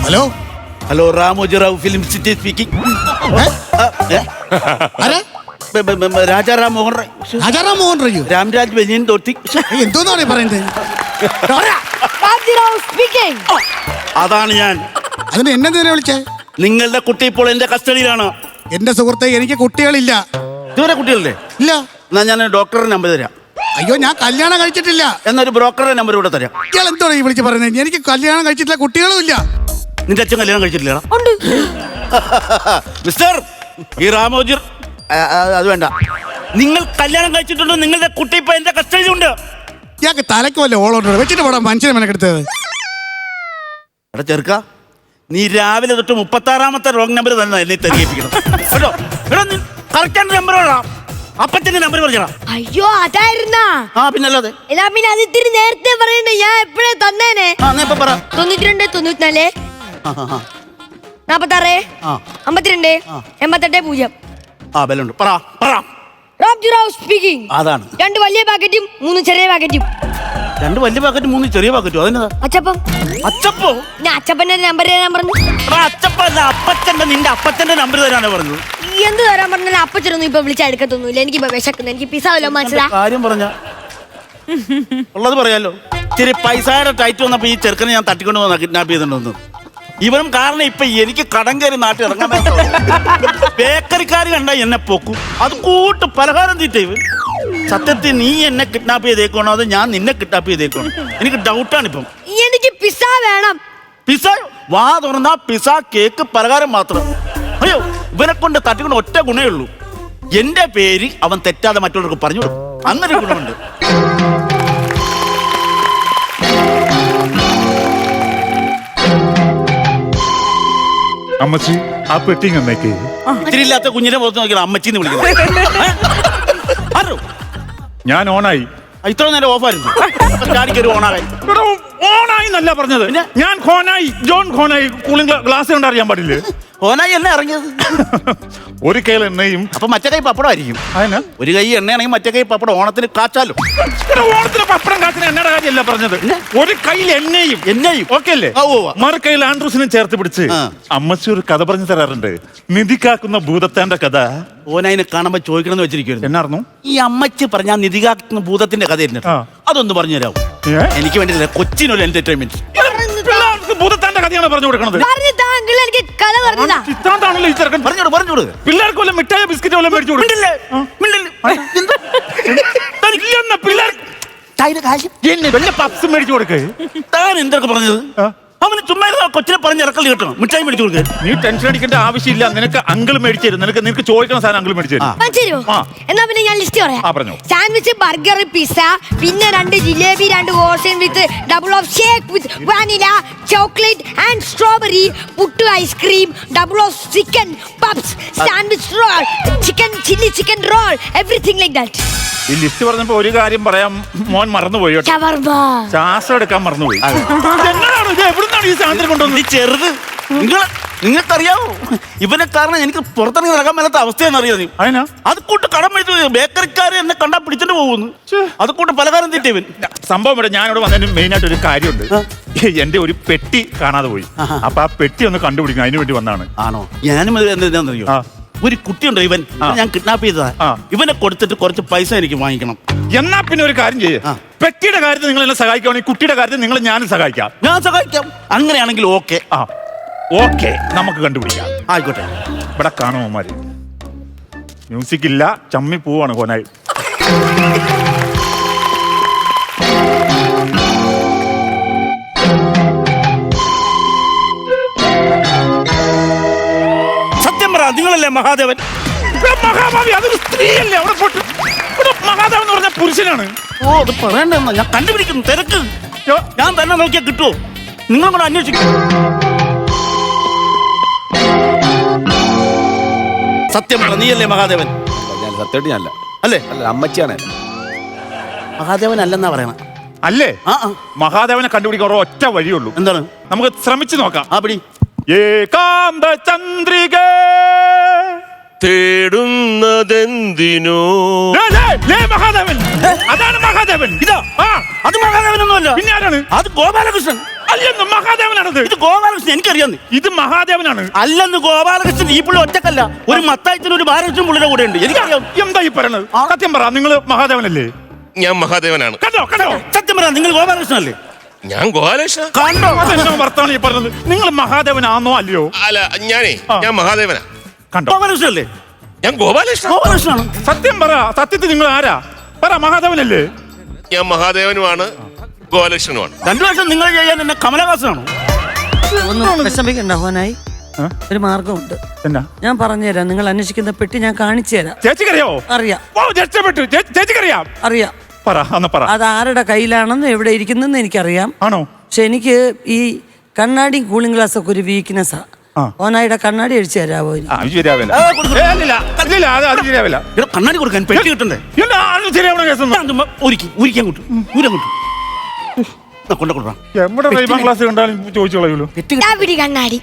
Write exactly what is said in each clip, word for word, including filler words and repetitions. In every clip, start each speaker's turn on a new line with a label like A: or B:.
A: Hello
B: hello രാമോജിറാവു film city speaking. Rajaram Mohan Rai.
A: Rajaram Mohan റയ്യോ?
B: Ramraj ബനിയൻ തോർത്തി.
A: എന്തോന്നാണ് പറയുന്നത്?
B: അതാണ് ഞാൻ.
A: അതിന് എന്നെ നേരെ വിളിച്ചേ?
B: നിങ്ങളുടെ കുട്ടി ഇപ്പോൾ എന്റെ കസ്റ്റഡിയിലാണ്.
A: എന്റെ സുഹൃത്തെ, എനിക്ക് കുട്ടികളില്ല.
B: ഇതുവരെ കുട്ടികളില്ലേ?
A: ഇല്ല.
B: എന്നാ ഞാൻ ഡോക്ടറുടെ നമ്പർ തരാം.
A: അയ്യോ, ഞാൻ കല്യാണം കഴിച്ചിട്ടില്ല.
B: എന്നൊരു ബ്രോക്കറുടെ നമ്പർ കൂടെ തരാം.
A: ഇയാൾ എന്തോടാ ഈ വിളിച്ച് പറയുന്നത്? എനിക്ക് കല്യാണം കഴിച്ചിട്ടില്ല, കുട്ടികളും ഇല്ല.
B: നിന്റെ അച്ഛൻ കല്യാണം കഴിച്ചിട്ടില്ല മിസ്റ്റർ ഈ രാമോജി? അത് വേണ്ട. നിങ്ങൾ കല്യാണം കഴിച്ചിട്ടുണ്ടോ? നിങ്ങളുടെ കുട്ടി ഇപ്പൊ എന്റെ കസ്റ്റഡിയിലുണ്ട്.
A: ഇയാൾക്ക് തലയ്ക്ക് വല്ല ഓളോട്ടോ വെച്ചിട്ട് പോടാ മനുഷ്യനെ മെനക്കെടുത്തത്.
B: എടാ ചെറുക്ക, നീ രാവിലെ തൊട്ട് മുപ്പത്തി ആറാമത്തെ റോങ് നമ്പർ തന്നെ എന്നെ തെളിയിപ്പിക്കണം കേട്ടോ. എടാ നീ കറക്റ്റ് നമ്പർ വേണം. അപ്പച്ചന്റെ നമ്പർ പറഞ്ഞാ.
C: അയ്യോ, അതായിരുന്നാ?
B: ആ പിന്നല്ലാതെ.
C: എന്നാ പിന്നെ അത് ഇത്തിരി നേരത്തെ പറയണ്ടേ? ഞാൻ എപ്പോഴേ തന്നേനെ.
B: ആ എന്നാ ഇപ്പൊ പറ.
C: തൊണ്ണൂറ്റി രണ്ട് തൊണ്ണൂറ്റിനാല് നാപ്പത്താറ് അമ്പത്തിരണ്ട് എൺപത്തെട്ട് പൂജ്യം.
B: ആ ബലുണ്ട്. പറ പറ.
C: രാംജിറാവു സ്പീക്കിംഗ്.
B: അതാണ്.
C: രണ്ട് വലിയ പാക്കറ്റും മൂന്ന് ചെറിയ പാക്കറ്റും.
B: രണ്ട് വലിയ പാക്കറ്റ് മൂന്ന് ചെറിയ പാക്കറ്റും. അതെന്നതാ?
C: അച്ചപ്പം.
B: അച്ചപ്പോ?
C: ഞാൻ അച്ചപ്പന്റെ നമ്പർ തരാൻ പറഞ്ഞു.
B: അച്ചപ്പല്ല, അപ്പച്ചന്റെ. നിന്റെ അപ്പച്ചന്റെ നമ്പർ തരാനാണ് പറഞ്ഞത്.
C: എന്ത് തരാൻ പറഞ്ഞാലും അപ്പച്ചനൊന്നും ഇപ്പൊ വിളിച്ചാൽ എടുക്കത്തൊന്നുമില്ല. എനിക്ക് ഇപ്പൊ വിശക്കുന്നു. എനിക്ക് പിസ വല്ലോ മനസ്സിലാ?
B: കാര്യം പറഞ്ഞ ഉള്ളത് പറയാലോ. ഇത്തിരി പൈസയുടെ ടൈറ്റ് വന്നപ്പോ ഈ ചെറുക്കനെ ഞാൻ തട്ടിക്കൊണ്ട് വന്ന കിഡ്നാപ്പ് ചെയ്തിട്ടുണ്ടെന്ന്. ഇവനും കാരണം ഇപ്പൊ എനിക്ക് കടം കയറി നാട്ടിൽ ഇറങ്ങാൻ. ബേക്കറിക്കാർ കണ്ട എന്നെ പൊക്കും. അത് കൂട്ട് പലഹാരം തീറ്റ. ഇവൻ സത്യത്തിൽ നീ എന്നെ കിഡ്നാപ്പ് ചെയ്തേക്കണോ അതോ ഞാൻ നിന്നെ കിഡ്നാപ്പ് ചെയ്തേക്കണോ? എനിക്ക് ഡൗട്ടാണ് ഇപ്പം.
C: എനിക്ക് പിസ വേണം.
B: പിസ? വാ തുറന്നാ പിസ, കേക്ക്, പലഹാരം മാത്രം. അയ്യോ, ഇവനെ കൊണ്ട് തട്ടിക്കൊണ്ട് ഒറ്റ ഗുണേ ഉള്ളൂ. എന്റെ പേര് അവൻ തെറ്റാതെ മറ്റുള്ളവർക്ക് പറഞ്ഞു കൊടുക്കും. അങ്ങനെ ഗുണമുണ്ട്.
D: അമ്മച്ചി, ആ പെട്ടി എന്നേക്ക്.
B: ഇത്തിരിയില്ലാത്ത കുഞ്ഞിനെ പുറത്ത് നോക്കിയാൽ അമ്മച്ചിന്ന് വിളിക്കുന്നത്.
D: ഞാൻ ഓണായി.
B: ഇത്ര നേരം ഓഫായിരുന്നു. ചാടിക്കൊരു ഓണായി.
D: ഓണായി എന്നല്ല പറഞ്ഞത്. ഞാൻ Honai, John Honai. Cooling glass കൊണ്ട് അറിയാൻ പാടില്ലേ?
B: ഓനായി എണ്ണ ഇറങ്ങിയത്.
D: ഒരു കൈയിൽ എണ്ണയും
B: അപ്പൊ മറ്റേ കൈ പപ്പടം ആയിരിക്കും.
D: അതിന്
B: ഒരു കൈ എണ്ണയാണെങ്കിൽ മറ്റേ കൈ പപ്പടം. ഓണത്തിന് കാച്ചാലോ.
D: ഓണത്തിന് പപ്പടം കാച്ചിന് എണ്ണയുടെ കാര്യമല്ല പറഞ്ഞത്. ഒരു കയ്യിൽ എണ്ണയും
B: എണ്ണയും
D: ഓക്കെ അല്ലേ? മറു കയ്യിൽ ആൻഡ്രൂസിനും ചേർത്ത് പിടിച്ച് അമ്മച്ചി ഒരു കഥ പറഞ്ഞു തരാറുണ്ട്. നിധി കാക്കുന്ന ഭൂതത്താന്റെ കഥ.
B: ഓനായിനെ കാണുമ്പോ ചോദിക്കണം എന്ന് വെച്ചിരിക്കുന്നു.
D: എന്നായിരുന്നു
B: ഈ അമ്മച്ചി പറഞ്ഞ നിധി കാക്കുന്ന ഭൂതത്തിന്റെ കഥ? അതൊന്ന് പറഞ്ഞു തരാമോ? എനിക്ക് വേണ്ടിയില്ല, കൊച്ചിനൊരു എന്റർടൈൻമെന്റ്.
D: ഭൂതത്താന്റെ കഥയാണ് പറഞ്ഞു കൊടുക്കണത്.
C: എനിക്ക് കഥ പറഞ്ഞതാ.
D: ഇത്താണ്ടാണല്ലോ ഈ ചെറുക്കൻ.
B: പറഞ്ഞോട് പറഞ്ഞോട്.
D: പിള്ളേർക്ക് വല്ല മിഠായ ബിസ്ക്കറ്റ് വല്ല മേടിച്ചു കൊടുക്കും. പപ്സ് മേടിച്ചു കൊടുക്കേ.
B: താൻ എന്തൊക്കെ പറഞ്ഞത്? അവന് ചുമ്മാ കൊച്ചിനെ പറഞ്ഞ് ഇറക്കൽ കിട്ടണം. മിഠായി മേടിച്ചു കൊടുക്കുക.
D: നീ ടെൻഷൻ അടിക്കേണ്ട ആവശ്യമില്ല. നിനക്ക് അങ്കിൾ മേടിച്ചു തരും. നിനക്ക് നിനക്ക് ചോദിക്കുന്ന സാധനം അങ്കിൾ മേടിച്ചു തരും.
C: എന്നാ പിന്നെ ഞാൻ ലിസ്റ്റ് പറയാം. സാൻഡ്വിച്ച്, ബർഗർ, പിസ്സ, പിന്നെ രണ്ട് ജിലേബി, രണ്ട് ഓർസൻ with double of shake with vanilla, chocolate and strawberry, puttu ice cream, double of chicken puffs, sandwich roll, chicken chilli chicken roll, everything like that.
D: ഈ ലിസ്റ്റ് പറഞ്ഞപ്പോ ഒരു കാര്യം പറയാം, മോൻ മറന്നുപോയി കേട്ടോ. ശ്വാസം എടുക്കാൻ മറന്നുപോയി. എന്നാണ് ഇത്? എവിടുന്നാണ് ഈ സാധനം കൊണ്ടുവന്നത്?
B: ഈ ചെറുത് നിങ്ങൾ നിങ്ങൾക്കറിയാവോ? ഇവനെ കാരണം എനിക്ക് പുറത്തിറങ്ങി നടക്കാൻ മേലാത്ത അവസ്ഥയെന്ന് അറിയാം നീ.
D: അതിനാ
B: അത് കൂട്ട് കടം മേടിച്ചു. ബേക്കറിക്കാര് എന്നെ കണ്ടാ പിടിച്ചിട്ട് പോകുന്നു. അത് കൂട്ട് പലകാരം തീറ്റ ഇവൻ.
D: സംഭവം ഇവിടെ ഞാനിവിടെ വന്നതിന് മെയിൻ ആയിട്ട് ഒരു കാര്യമുണ്ട്. എന്റെ ഒരു പെട്ടി കാണാതെ പോയി. അപ്പൊ ആ പെട്ടി ഒന്ന് കണ്ടുപിടിക്കണം, അതിനു വേണ്ടി വന്നാണ്.
B: ആണോ? ഞാനും എന്താണെന്നറിയോ, ഒരു കുട്ടിയുണ്ടോ ഇവൻ, ഞാൻ കിഡ്നാപ്പ് ചെയ്തതാ. ഇവനെ കൊടുത്തിട്ട് കുറച്ച് പൈസ എനിക്ക് വാങ്ങിക്കണം.
D: എന്നാ പിന്നെ ഒരു കാര്യം ചെയ്യേ, പെട്ടിയുടെ കാര്യത്തിൽ നിങ്ങൾ എന്നെ സഹായിക്കുകയാണെങ്കിൽ കുട്ടിയുടെ കാര്യത്തിൽ നിങ്ങൾ ഞാനും സഹായിക്കാം.
B: ഞാൻ സഹായിക്കാം. അങ്ങനെയാണെങ്കിൽ ഓക്കെ.
D: ആ ഓക്കെ, നമുക്ക് കണ്ടുപിടിക്കാം.
B: ആയിക്കോട്ടെ.
D: ഇവിടെ കാണുമോമാര് മ്യൂസിക് ഇല്ല, ചമ്മി പോവാണ് കോനായി.
B: നിങ്ങളല്ലേ മഹാദേവൻ?
D: മഹാഭാവി അതൊരു സ്ത്രീയല്ലേ? അവിടെ പോട്ട് മഹാദേവൻ എന്ന് പറഞ്ഞ പുരുഷനാണ്.
B: ഓ, അത് പറയണ്ടെന്നാ ഞാൻ കണ്ടുപിടിക്കുന്നു. തിരക്ക് ഞാൻ തന്നെ നോക്കിയാൽ കിട്ടുമോ? നിങ്ങൾ കൂടെ അന്വേഷിക്കും. സത്യം പറ, നീയല്ലേ മഹാദേവൻ?
E: സത്യമായിട്ട് ഞാനല്ല.
B: അല്ലേ?
E: അല്ല, അമ്മച്ചിയാണ്.
B: മഹാദേവൻ അല്ലെന്നാ പറയണ.
D: അല്ലേ? മഹാദേവനെ കണ്ടുപിടിക്കാൻ ഒറ്റ വഴിയുള്ളൂ. എന്താണ്? നമുക്ക് ശ്രമിച്ചു നോക്കാം.
B: ആ പിടി.
D: ഏകാന്ത ചന്ദ്രിക
E: തേടുന്നതെന്തിനോ?
D: മഹാദേവൻ. അതാണ് മഹാദേവൻ.
B: ഇതാ? അത് മഹാദേവനൊന്നുമല്ല.
D: പിന്നെ ആരാണ്?
B: അത് ഗോപാലകൃഷ്ണൻ.
D: അല്ലെന്ന് മഹാദേവനാണത്.
B: ഇത് ഗോപാലകൃഷ്ണൻ എനിക്കറിയാന്ന്.
D: ഇത് മഹാദേവനാണ്.
B: അല്ലെന്ന് ഗോപാലകൃഷ്ണൻ ഈ പുള്ളി ഒറ്റക്കല്ല, ഒരു മത്തായത്തിന് ഒരു ബാലകൃഷ്ണൻ പുള്ളിയുടെ കൂടെ ഉണ്ട്. എനിക്കറിയാം.
D: എന്താ ഈ പറയണത്? സത്യം പറ, നിങ്ങൾ മഹാദേവനല്ലേ?
E: ഞാൻ മഹാദേവനാണ്.
D: കണ്ടോ കണ്ടോ?
B: സത്യം പറ, നിങ്ങൾ ഗോപാലകൃഷ്ണൻ അല്ലേ?
E: ഞാൻ ഗോപാലകൃഷ്ണ.
B: കണ്ടോ?
D: അതെന്നോ വർത്താനം ഈ പറഞ്ഞത്? നിങ്ങൾ മഹാദേവനാണോ അല്ലയോ?
E: അല്ല, ഞാനേ ഞാൻ മഹാദേവനാ.
D: കണ്ടോ?
B: ഗോപാലകൃഷ്ണൻ അല്ലേ?
E: ഞാൻ ഗോപാലകൃഷ്ണ.
B: ഗോപാലകൃഷ്ണനാണ്.
D: സത്യം പറ, സത്യത്തിൽ നിങ്ങൾ ആരാ? പറ, മഹാദേവനല്ലേ?
E: ഞാൻ മഹാദേവനുമാണ്, ഗോപാലകൃഷ്ണനുമാണ്.
B: രണ്ടു വർഷം നിങ്ങൾ ചെയ്യാൻ എന്നെ കമലഹാസനാണോ?
F: ഒന്നും വിഷമിക്കണ്ട ഹോനായി,
D: ആ?
F: ഒരു മാർഗമുണ്ട്.
D: എന്നാ?
F: ഞാൻ പറഞ്ഞുതരാം. നിങ്ങൾ അന്വേഷിക്കുന്ന പെട്ടി ഞാൻ കാണിച്ചു തരാം.
D: ചേച്ചിക്കറിയാവോ?
F: അറിയാം
D: ഓ, രക്ഷപ്പെട്ടു. ചേ- ചേച്ചിക്കറിയാം?
F: അറിയാം.
D: പറ, അന്ന് പറ.
F: അത് ആരുടെ കയ്യിലാണെന്ന് എവിടെ ഇരിക്കുന്നെന്ന് എനിക്കറിയാം.
D: ആണോ?
F: പക്ഷെ എനിക്ക് ഈ കണ്ണാടി കൂളിംഗ് ഗ്ലാസ് ഒക്കെ ഒരു വീക്ക്നെസ്സാ.
D: ആ.
F: ഹോനായിയുടെ കണ്ണാടി അടിച്ചു തരാമോ ഇനി?
D: ആ, അത് ശരിയാവില്ല.
B: ആ, കൊടുക്കും.
D: ഏ, ഇല്ലില്ല, ഇല്ലില്ല, അത് അത് ശരിയാവില്ല.
B: ഇവിടെ കണ്ണാടി കൊടുക്കാൻ പെട്ടി കിട്ടണ്ടേ?
D: ഇല്ല, അത് ശരിയാവണ കേസൊന്നും.
B: ഞാൻ ചുമ്മാ ഒരുക്കി ഊരിക്കാൻ കൊണ്ടു ഊരാൻ കൊണ്ടു കൊണ്ട കൊടുക്കാം.
D: എവിടെ റൈബാൻ ക്ലാസ് കണ്ടാലും ചോദിച്ചു കളയൂലോ.
C: ദാ പിടി കണ്ണാടി.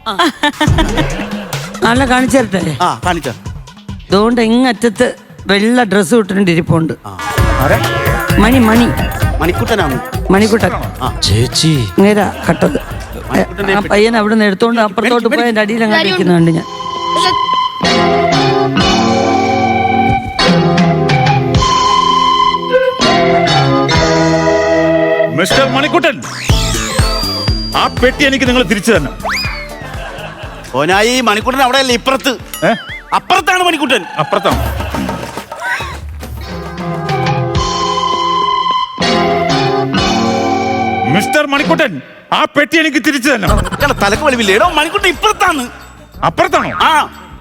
F: നല്ല കാണിച്ചു തരട്ടെ.
B: ആ കാണിച്ച
F: അതുകൊണ്ട് ഇങ്ങറ്റത്ത് വെള്ള ഡ്രസ്സ് ഇട്ടിട്ടുണ്ട് ഇരിപ്പുണ്ട്.
D: ആരെ?
F: മണി മണി
B: മണിക്കുട്ടനാണ്.
F: മണിക്കുട്ടൻ
E: ചേച്ചി
F: നേരാ കട്ടത്. ആ പയ്യൻ അവിടെ നിന്ന് എടുത്തോണ്ട് അപ്പുറത്തോട്ട് പോയി എന്റെ അടിയിൽ അങ്ങനെ ഇരിക്കുന്നുണ്ട് ഞാൻ.
D: മിസ്റ്റർ മണിക്കുട്ടൻ, ആ പെട്ടി എനിക്ക് നിങ്ങൾ തിരിച്ചു തന്നെ.
B: ഓനായി മണിക്കുട്ടൻ അവിടെ അല്ലേ, ഇപ്പുറത്ത്.
D: ഏ?
B: അപ്പുറത്താണ് മണിക്കുട്ടൻ.
D: അപ്പുറത്താണ്. മിസ്റ്റർ മണിക്കുട്ടൻ, ആ പെട്ടി എനിക്ക് തിരിച്ചു തന്നെ.
B: ഇയാളെ തലക്ക് വലിവില്ലേ? എടോ മണിക്കുട്ടൻ ഇപ്പുറത്താണ്.
D: അപ്പുറത്താണോ?
B: ആ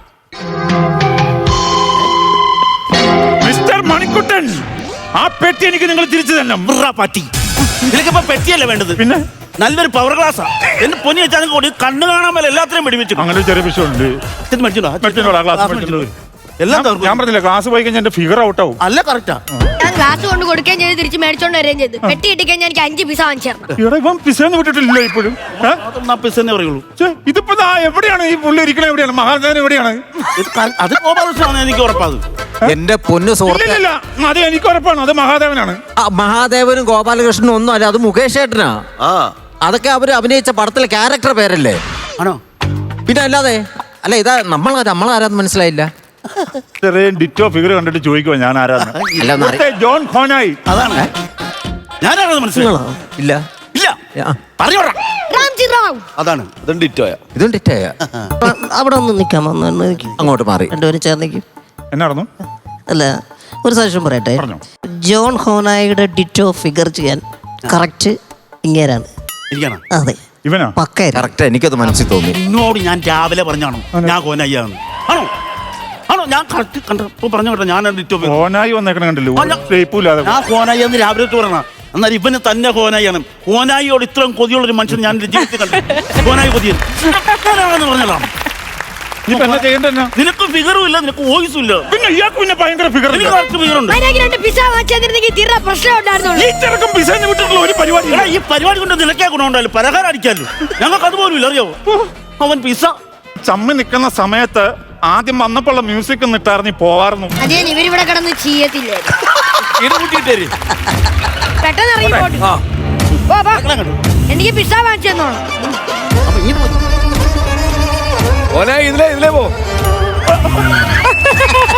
D: മിസ്റ്റർ മണിക്കുട്ടൻ, ആ പെട്ടി എനിക്ക് നിങ്ങൾ തിരിച്ചു തന്നെ.
B: ബ്രാ പാറ്റി. നിനക്കിപ്പോ പെറ്റിയല്ലേ വേണ്ടത്?
D: പിന്നെ
B: നല്ലൊരു പവർ ഗ്ലാസ്സാ. എന്റെ പൊന്നി വെച്ചാൽ കൂടി കണ്ണ് കാണാൻ മേലെ എല്ലാത്തിനും വെടിവെച്ചു.
D: അങ്ങനെ ഒരു ചെറിയ വിഷയമുണ്ട്. മേടിച്ചോളാം, ഗ്ലാസ് മേടിച്ചോളൂ.
B: എല്ലാം
D: ഞാൻ
B: തകർക്കും.
D: പറഞ്ഞില്ല, ക്ലാസ് പോയി കഴിഞ്ഞാൽ എന്റെ ഫിഗർ ഔട്ട് ആവും.
B: അല്ല കറക്റ്റാ.
C: ഞാൻ ഗ്ലാസ് കൊണ്ട് കൊടുക്കുകയും ചെയ്ത് തിരിച്ച് മേടിച്ചോണ്ട് വരികയും ചെയ്തു. പെട്ടി ഇട്ടിക്കഴിഞ്ഞാൽ എനിക്ക് അഞ്ച് പീസ വാങ്ങിച്ചു തരണം.
D: ഇവിടെ ഇവൻ പിസന്ന് വിട്ടിട്ടില്ല ഇപ്പോഴും. ഏ?
B: അതൊന്നും ആ പിസ്സന്നെ പറയുള്ളൂ.
D: ഛെ, ഇതിപ്പോ ദാ എവിടെയാണ് ഈ പുള്ളി ഇരിക്കണ? എവിടെയാണ് മഹാദേവൻ? എവിടെയാണ്?
B: ഇത് ക- അത് ഗോപാലകൃഷ്ണനാണ് എനിക്ക് ഉറപ്പാത്.
G: എന്റെ പൊന്നു സുഹൃത്ത്,
D: ഇല്ലില്ല, അത് എനിക്ക് ഉറപ്പാണ്, അത് മഹാദേവനാണ്.
G: ആ മഹാദേവനും ഗോപാലകൃഷ്ണനും ഒന്നും അല്ല, അത് മുകേഷ് ഏട്ടനാ.
E: ആ
G: അതൊക്കെ അവര് അഭിനയിച്ച പടത്തിലെ ക്യാരക്ടർ പേരല്ലേ?
B: ആണോ?
G: പിന്നെ അല്ലാതെ അല്ല, ഇതാ നമ്മൾ നമ്മളാരാന്ന് മനസ്സിലായില്ല.
D: ചെറിയ ഡിറ്റോ ഫിഗർ കണ്ടിട്ട് ചോദിക്കുവാ ഞാൻ ആരാന്ന്.
G: അല്ല, ഒന്ന് അറി-
D: ഇവിടുത്തെ ജോൺ ഖോനായി.
B: അതാണ് ഞാനാണത് മനസ്സിലായോ?
G: ഇല്ല
B: ഇല്ല
G: ആ,
B: പറഞ്ഞോടാ.
C: റാംജി റാവു.
B: അതാണ്
E: അതും ഡിറ്റോയാ.
G: ഇതും ഡിറ്റായ.
H: അവിടെ ഒന്ന് നിൽക്കാൻ വന്നു എനിക്ക്
G: അങ്ങോട്ട് മാറി.
H: രണ്ടുപേരും ചേർന്നേക്കും.
D: എന്നായിരുന്നു?
H: അല്ല, ഒരു സജഷൻ പറയട്ടെ.
D: പറഞ്ഞോ.
H: ജോൺ ഹോനായിയുടെ ഡിറ്റോ ഫിഗർ ചെയ്യാൻ കറക്റ്റ് ഇങ്ങേരാണ്.
B: ഇരിക്കണം.
H: അതെ,
D: ഇവനാ?
H: പക്കായിരുന്നു.
G: കറക്റ്റ്, എനിക്കത് മനസ്സിൽ തോന്നി.
B: നിന്നോട് ഞാൻ രാവിലെ പറഞ്ഞാണോ ഞാൻ കോനയ്യാന്ന്? ആണോ ആണോ ഞാൻ കറക്റ്റ് കണ്ടപ്പോ പറഞ്ഞു കേട്ടോ. ഞാൻ ഡിറ്റോ
D: ഖോനായി വന്നേക്കണ കണ്ടില്ലേ?
B: ആ, ഞാൻ-
D: ഷേപ്പില്ലാതെ.
B: ഞാൻ കോനായി എന്ന് രാവിലെ പറഞ്ഞ എന്നാൽ ഇവന് തന്നെ കോനായിയാണ്. കോനായിയോട് ഇത്രയും കൊതിയുള്ളൊരു മനുഷ്യൻ ഞാൻ എൻ്റെ ജീവിതത്തിൽ കണ്ടു. കോനായി കൊതിയൻ ഞാനാണെന്ന് പറഞ്ഞതാണ്.
D: ഇനിയിപ്പോ എന്നാ ചെയ്യണ്ടെന്നാ?
B: നിനക്ക് ഫിഗറും ഇല്ല, നിനക്ക് വോയിസും ഇല്ല.
D: പിന്നെ ഇയാൾക്ക് പിന്നെ ഭയങ്കര ഫിഗർ.
B: എനിക്ക് കറക്റ്റ് ഫിഗറുണ്ട്.
C: അതിനകത്ത് രണ്ട് പിസ വാങ്ങിച്ചു തന്നിരുന്നെങ്കിൽ തീരെ പ്രശ്നം ഉണ്ടായിരുന്നുള്ളൂ.
D: ഈ ചെറുക്കം പിസന്ന് വിട്ടിട്ടുള്ള ഒരു പരിപാടി.
B: എടാ, ഈ പരിപാടി കൊണ്ട് നിനക്കേ ഗുണമുണ്ടല്ലോ, പലഹാരം അടിക്കാമല്ലോ. ഞങ്ങൾക്ക് അതുപോലും ഇല്ല, അറിയാവോ? അവൻ പിസ
D: ചമ്മി നിൽക്കുന്ന സമയത്ത് ആദ്യം വന്നപ്പോഴുള്ള മ്യൂസിക് നിട്ടാർന്നി പോവാറുന്നു.
C: അതേ ഇവരിവിടെ കിടന്ന് ചെയ്യത്തില്ലേ? പെട്ടെന്ന് ഇറങ്ങി പോട്ടെ. വാ, വാ. എനിക്ക് പിസ വാങ്ങിച്ചു തന്നോളാം.
E: ഓനായി ഇതിലേ ഇതിലേ പോ.